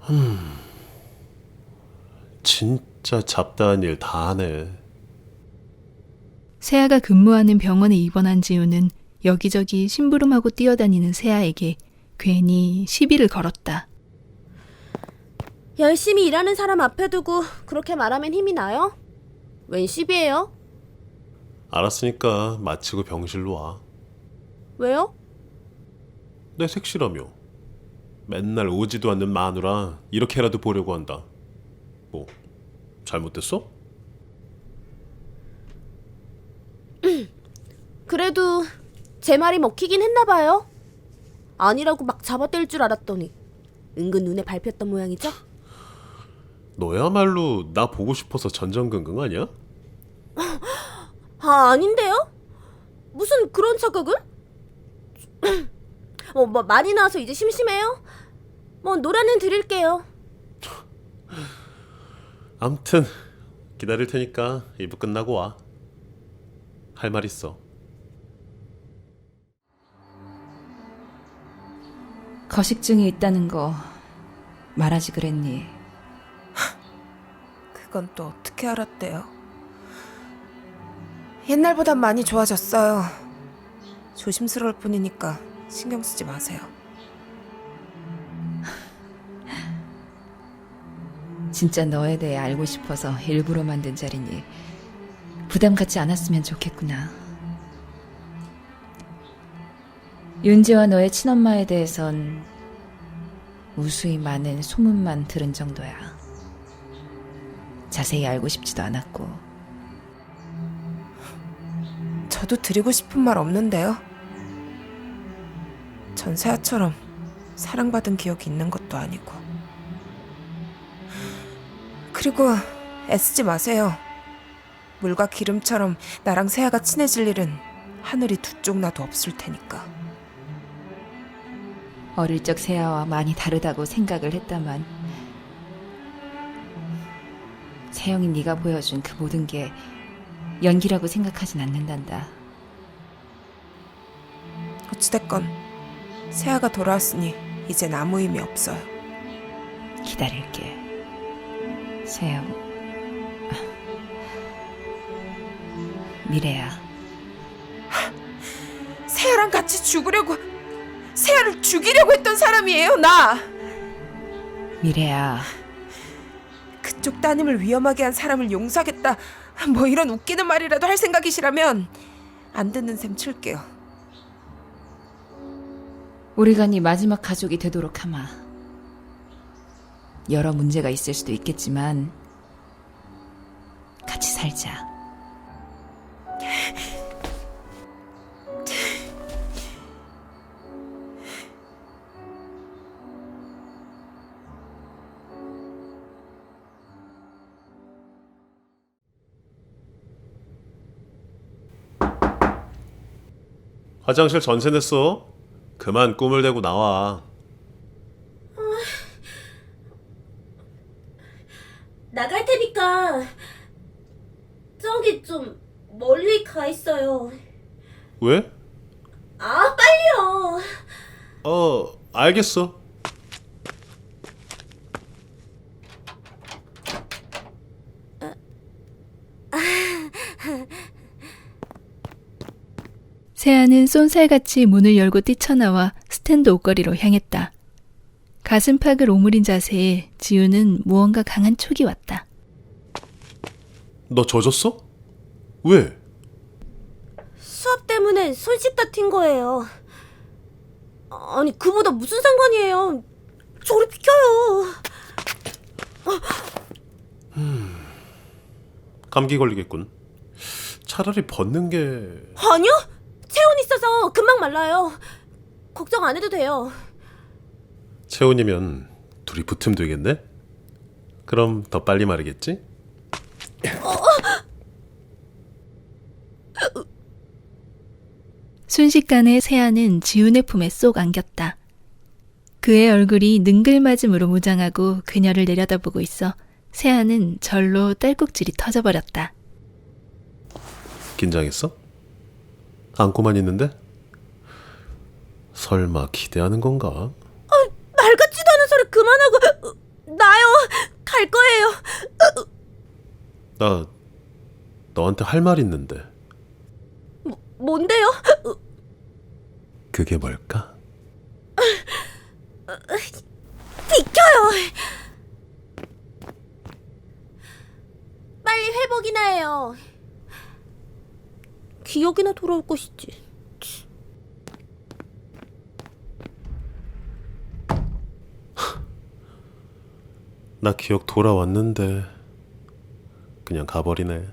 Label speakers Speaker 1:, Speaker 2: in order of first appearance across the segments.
Speaker 1: 진짜 잡다한 일 다 하네.
Speaker 2: 세아가 근무하는 병원에 입원한 지우는 여기저기 심부름하고 뛰어다니는 세아에게 괜히 시비를 걸었다.
Speaker 3: 열심히 일하는 사람 앞에 두고 그렇게 말하면 힘이 나요? 웬 시비예요?
Speaker 1: 알았으니까 마치고 병실로 와.
Speaker 3: 왜요?
Speaker 1: 내 색시라며. 맨날 오지도 않는 마누라 이렇게라도 보려고 한다. 뭐 잘못됐어?
Speaker 3: 그래도 제 말이 먹히긴 했나봐요. 아니라고 막 잡아뗄 줄 알았더니 은근 눈에 밟혔던 모양이죠?
Speaker 1: 너야말로 나 보고 싶어서 전전긍긍 아니야?
Speaker 3: 아닌데요? 무슨 그런 착각을? 뭐 많이 나와서 이제 심심해요? 뭐 노래는 드릴게요.
Speaker 1: 암튼 기다릴 테니까 2부 끝나고 와. 할 말 있어.
Speaker 4: 거식증이 있다는 거 말하지 그랬니?
Speaker 5: 그건 또 어떻게 알았대요? 옛날보단 많이 좋아졌어요. 조심스러울 뿐이니까 신경 쓰지 마세요.
Speaker 4: 진짜 너에 대해 알고 싶어서 일부러 만든 자리니 부담 갖지 않았으면 좋겠구나. 윤지와 너의 친엄마에 대해선 무수히 많은 소문만 들은 정도야. 자세히 알고 싶지도 않았고.
Speaker 5: 저도 드리고 싶은 말 없는데요. 전 세아처럼 사랑받은 기억이 있는 것도 아니고. 그리고 애쓰지 마세요. 물과 기름처럼 나랑 세아가 친해질 일은 하늘이 두 쪽 나도 없을 테니까.
Speaker 4: 어릴 적 세아와 많이 다르다고 생각을 했다만 세영이 네가 보여준 그 모든 게 연기라고 생각하진 않는단다.
Speaker 5: 어찌됐건 세아가 돌아왔으니 이젠 아무 의미 없어요.
Speaker 4: 기다릴게. 세영. 미래야.
Speaker 5: 세아랑 같이 죽으려고, 세아를 죽이려고 했던 사람이에요, 나!
Speaker 4: 미래야.
Speaker 5: 그쪽 따님을 위험하게 한 사람을 용서하겠다, 뭐 이런 웃기는 말이라도 할 생각이시라면 안 듣는 셈 칠게요.
Speaker 4: 우리가 네 마지막 가족이 되도록 하마. 여러 문제가 있을 수도 있겠지만 같이 살자.
Speaker 1: 화장실 전세 냈어. 그만 꿈을 대고 나와.
Speaker 3: 나갈 테니까 저기 좀 멀리 가 있어요.
Speaker 1: 왜?
Speaker 3: 아, 빨리요.
Speaker 1: 알겠어.
Speaker 2: 세아는 쏜살같이 문을 열고 뛰쳐나와 스탠드 옷걸이로 향했다. 가슴팍을 오므린 자세에 지우는 무언가 강한 촉이 왔다.
Speaker 1: 너 젖었어? 왜?
Speaker 3: 수업 때문에 손 씻다 튄 거예요. 아니, 그보다 무슨 상관이에요. 저리 비켜요.
Speaker 1: 감기 걸리겠군. 차라리 벗는 게...
Speaker 3: 아니요. 체온 있어서 금방 말라요. 걱정 안 해도 돼요.
Speaker 1: 체온이면 둘이 붙으면 되겠네? 그럼 더 빨리 마르겠지?
Speaker 2: 순식간에 세아는 지훈의 품에 쏙 안겼다. 그의 얼굴이 능글맞음으로 무장하고 그녀를 내려다보고 있어 세아는 절로 딸꾹질이 터져버렸다.
Speaker 1: 긴장했어? 안고만 있는데? 설마 기대하는 건가?
Speaker 3: 말 같지도 않은 소리 그만하고. 나요. 갈 거예요.
Speaker 1: 나 너한테 할 말 있는데.
Speaker 3: 뭔데요?
Speaker 1: 그게 뭘까?
Speaker 3: 비켜요. 빨리 회복이나 해요. 기억이나 돌아올 것이지.
Speaker 1: 나 기억 돌아왔는데 그냥 가버리네.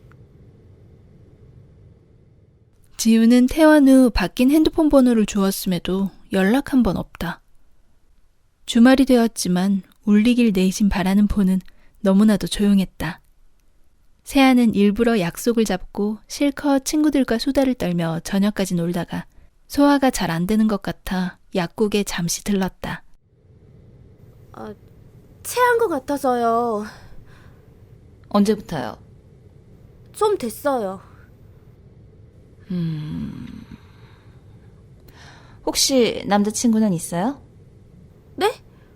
Speaker 2: 지우는 퇴원 후 바뀐 핸드폰 번호를 주었음에도 연락 한 번 없다. 주말이 되었지만 울리길 내심 바라는 폰은 너무나도 조용했다. 세아는 일부러 약속을 잡고 실컷 친구들과 수다를 떨며 저녁까지 놀다가 소화가 잘 안 되는 것 같아 약국에 잠시 들렀다.
Speaker 3: 체한 것 같아서요.
Speaker 4: 언제부터요?
Speaker 3: 좀 됐어요.
Speaker 4: 혹시 남자친구는 있어요?
Speaker 3: 네?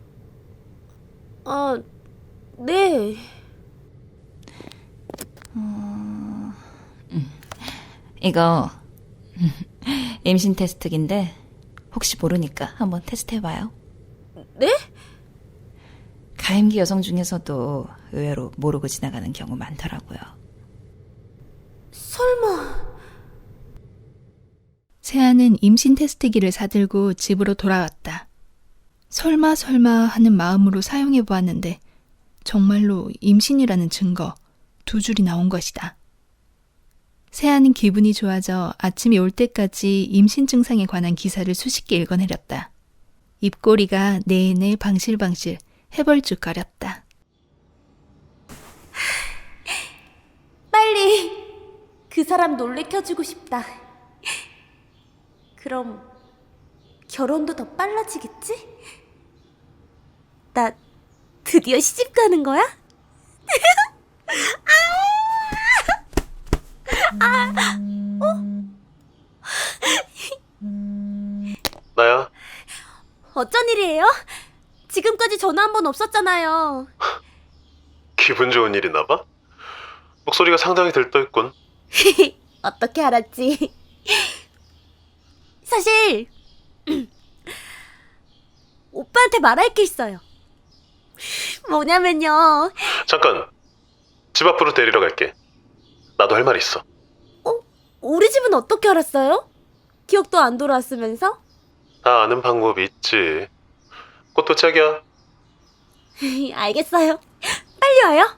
Speaker 3: 네.
Speaker 4: 이거 임신 테스트기인데 혹시 모르니까 한번 테스트해봐요.
Speaker 3: 네?
Speaker 4: 가임기 여성 중에서도 의외로 모르고 지나가는 경우 많더라고요.
Speaker 3: 설마.
Speaker 2: 세아는 임신 테스트기를 사들고 집으로 돌아왔다. 설마 하는 마음으로 사용해 보았는데 정말로 임신이라는 증거 2줄이 나온 것이다. 세아는 기분이 좋아져 아침이 올 때까지 임신 증상에 관한 기사를 수십 개 읽어내렸다. 입꼬리가 내내 방실방실 해벌쭉거렸다.
Speaker 3: 빨리 그 사람 놀래켜주고 싶다. 그럼 결혼도 더 빨라지겠지? 나 드디어 시집 가는 거야?
Speaker 1: 나야.
Speaker 3: 어쩐 일이에요? 지금까지 전화 한 번 없었잖아요.
Speaker 1: 기분 좋은 일이나 봐? 목소리가 상당히 들떠있군.
Speaker 3: 어떻게 알았지? 사실 오빠한테 말할 게 있어요. 뭐냐면요.
Speaker 1: 잠깐. 집 앞으로 데리러 갈게. 나도 할 말 있어.
Speaker 3: 우리 집은 어떻게 알았어요? 기억도 안 돌아왔으면서?
Speaker 1: 다 아는 방법이 있지. 곧 도착이야.
Speaker 3: 알겠어요. 빨리 와요.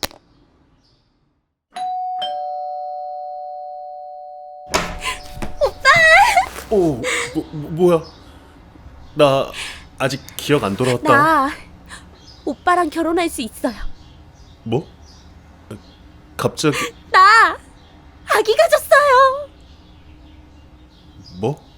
Speaker 1: 오, 뭐야? 나 아직 기억 안 돌아왔다.
Speaker 3: 나 오빠랑 결혼할 수 있어요.
Speaker 1: 뭐? 갑자기
Speaker 3: 나 아기 가졌어요.
Speaker 1: 뭐?